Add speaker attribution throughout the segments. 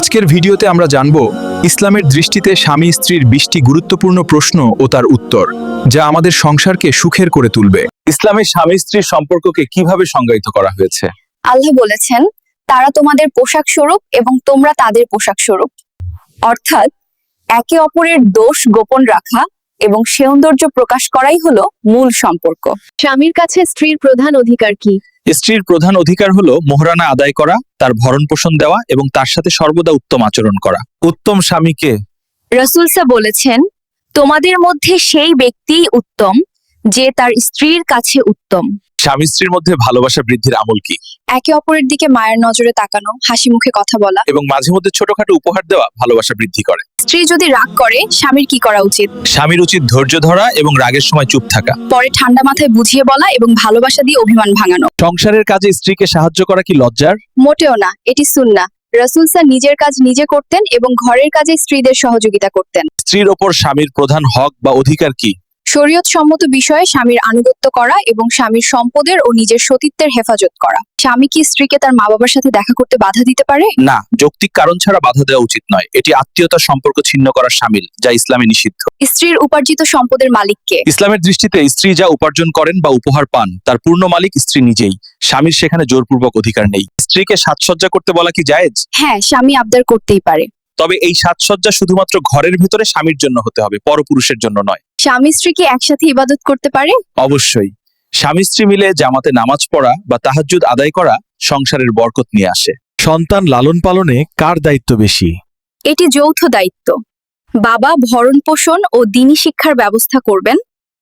Speaker 1: আজকের ভিডিওতে আমরা জানব ইসলামের দৃষ্টিতে স্বামী স্ত্রীর 20টি গুরুত্বপূর্ণ প্রশ্ন ও তার উত্তর, যা আমাদের সংসারকে সুখের করে তুলবে। ইসলামে স্বামী স্ত্রীর সম্পর্ককে কিভাবে সংজ্ঞায়িত করা হয়েছে?
Speaker 2: আল্লাহ বলেছেন, তারা তোমাদের পোশাক স্বরূপ এবং তোমরা তাদের পোশাক স্বরূপ। অর্থাৎ একে অপরের দোষ গোপন রাখা এবং সৌন্দর্য প্রকাশ করাই হলো মূল সম্পর্ক।
Speaker 3: স্বামীর কাছে স্ত্রীর প্রধান অধিকার কি?
Speaker 1: স্ত্রীর প্রধান অধিকার হলো মোহরানা আদায় করা, তার ভরণ পোষণ দেওয়া এবং তার সাথে সর্বদা উত্তম আচরণ করা। উত্তম স্বামীকে
Speaker 2: রাসূল বলেছেন, তোমাদের মধ্যে সেই ব্যক্তিই উত্তম যে তার স্ত্রীর কাছে উত্তম।
Speaker 1: স্বামী স্ত্রীর মধ্যে ভালোবাসা বৃদ্ধির আমল কি?
Speaker 2: একে অপরের দিকে মায়ের নজরে তাকানো, হাসি মুখে কথা বলা
Speaker 1: এবং মাঝে মধ্যে ছোটখাটো উপহার দেওয়া ভালোবাসা বৃদ্ধি করে।
Speaker 2: স্ত্রী যদি রাগ করে, স্বামীর কি করা উচিত?
Speaker 1: স্বামীর উচিত ধৈর্য ধরা এবং রাগের সময় চুপ থাকা।
Speaker 2: পরে ঠান্ডা মাথায় বুঝিয়ে বলা এবং ভালোবাসা দিয়ে অভিমান ভাঙানো।
Speaker 1: সংসারের কাজে স্ত্রীকে সাহায্য করা কি লজ্জার?
Speaker 2: মোটেও না, এটি সুন্নাহ। রাসূল নিজের কাজ নিজে করতেন এবং ঘরের কাজে স্ত্রীদের সহযোগিতা করতেন।
Speaker 1: স্ত্রীর ওপর স্বামীর প্রধান হক বা অধিকার কি?
Speaker 2: শরীয়ত সম্মত বিষয়ে স্বামীর আনুগত্য করা এবং স্বামীর সম্পদের ও নিজের সতীত্বের হেফাজত করা। স্বামী কি স্ত্রীকে তার মা বাবার সাথে দেখা করতে বাধা দিতে পারে?
Speaker 1: না, যৌক্তিক কারণ ছাড়া বাধা দেওয়া উচিত নয়। এটি আত্মীয়তার সম্পর্ক ছিন্ন করার শামিল, যা ইসলামে নিষিদ্ধ।
Speaker 2: স্ত্রীর উপার্জিত সম্পদের মালিক কে?
Speaker 1: ইসলামের দৃষ্টিতে স্ত্রী যা উপার্জন করেন বা উপহার পান, তার পূর্ণ মালিক স্ত্রী নিজেই। স্বামীর সেখানে জোরপূর্বক অধিকার নেই। স্ত্রীকে সাজসজ্জা করতে বলা কি জায়েজ?
Speaker 2: হ্যাঁ, স্বামী আবদার করতেই পারে।
Speaker 1: তবে এই সাজসজ্জা শুধুমাত্র ঘরের ভেতরে স্বামীর জন্য হতে হবে, পরপুরুষের জন্য নয়।
Speaker 2: স্বামী স্ত্রী কি একসাথে ইবাদত করতে পারে?
Speaker 1: অবশ্যই। স্বামী স্ত্রী মিলে জামাতে নামাজ পড়া বা তাহাজ্জুদ আদায় করা সংসারের বরকত নিয়ে আসে। সন্তান লালন পালনে কার দায়িত্ব বেশি?
Speaker 2: এটি যৌথ দায়িত্ব। বাবা ভরণ পোষণ ও দ্বীনি শিক্ষার ব্যবস্থা করবেন,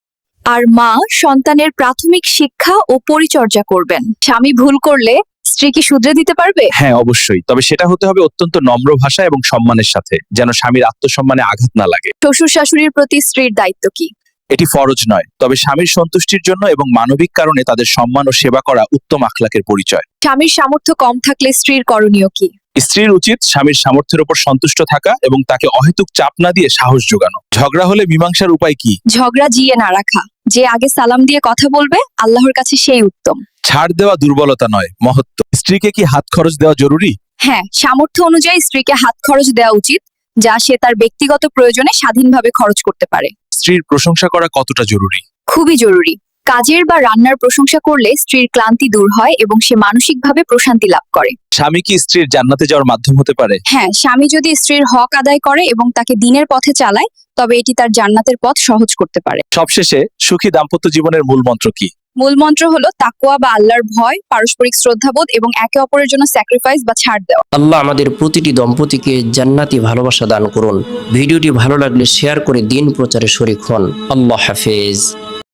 Speaker 2: আর মা সন্তানের প্রাথমিক শিক্ষা ও পরিচর্যা করবেন। স্বামী ভুল করলে স্ত্রী কি শুধরে দিতে পারবে?
Speaker 1: হ্যাঁ, অবশ্যই। তবে সেটা হতে হবে অত্যন্ত নম্র ভাষা এবং সম্মানের সাথে, যেন স্বামীর আত্মসম্মানে আঘাত না লাগে।
Speaker 2: শ্বশুর শাশুড়ির প্রতি স্ত্রীর দায়িত্ব কি?
Speaker 1: এটি ফরজ নয়, তবে স্বামীর সন্তুষ্টির জন্য এবং মানবিক কারণে তাদের সম্মান ও সেবা করা উত্তম আখলাকের পরিচয়।
Speaker 2: স্বামীর সামর্থ্য কম থাকলে স্ত্রীর করণীয় কি?
Speaker 1: স্ত্রীর উচিত স্বামীর সামর্থ্যের উপর সন্তুষ্ট থাকা এবং তাকে অহেতুক চাপ না দিয়ে সাহস যোগানো। ঝগড়া হলে মীমাংসার উপায় কি?
Speaker 2: ঝগড়া জিয়ে না রাখা। যে আগে সালাম দিয়ে কথা বলবে, আল্লাহর কাছে সেই উত্তম।
Speaker 1: ছাড় দেওয়া দুর্বলতা নয়, মহত্ব। স্ত্রীকে কি হাত খরচ দেওয়া জরুরি?
Speaker 2: হ্যাঁ, সামর্থ্য অনুযায়ী স্ত্রীকে হাত খরচ দেওয়া উচিত, যা সে তার ব্যক্তিগত প্রয়োজনে স্বাধীনভাবে খরচ করতে পারে।
Speaker 1: স্ত্রীর প্রশংসা করা কতটা জরুরি?
Speaker 2: খুবই জরুরি। কাজের বা রান্নার প্রশংসা করলে স্ত্রীর ক্লান্তি দূর হয় এবং সে মানসিকভাবে প্রশান্তি লাভ করে।
Speaker 1: স্বামী কি স্ত্রীর জান্নাতে যাওয়ার মাধ্যম হতে পারে?
Speaker 2: হ্যাঁ, স্বামী যদি স্ত্রীর হক আদায় করে এবং তাকে দ্বীনের পথে চালায়, তবে এটি তার জান্নাতের পথ সহজ করতে পারে।
Speaker 1: সবশেষে, সুখী দাম্পত্য জীবনের মূল মন্ত্র কি?
Speaker 2: মূল মন্ত্র হলো তাকওয়া বা আল্লাহর ভয়, পারস্পরিক শ্রদ্ধাবোধ এবং একে অপরের জন্য স্যাক্রিফাইস বা ছাড় দেওয়া।
Speaker 4: আল্লাহ আমাদের প্রতিটি দম্পতিকে জান্নাতি ভালোবাসা দান করুন। ভিডিওটি ভালো লাগলে শেয়ার করে দিন প্রচারে শরীক হন। আল্লাহ হাফেজ।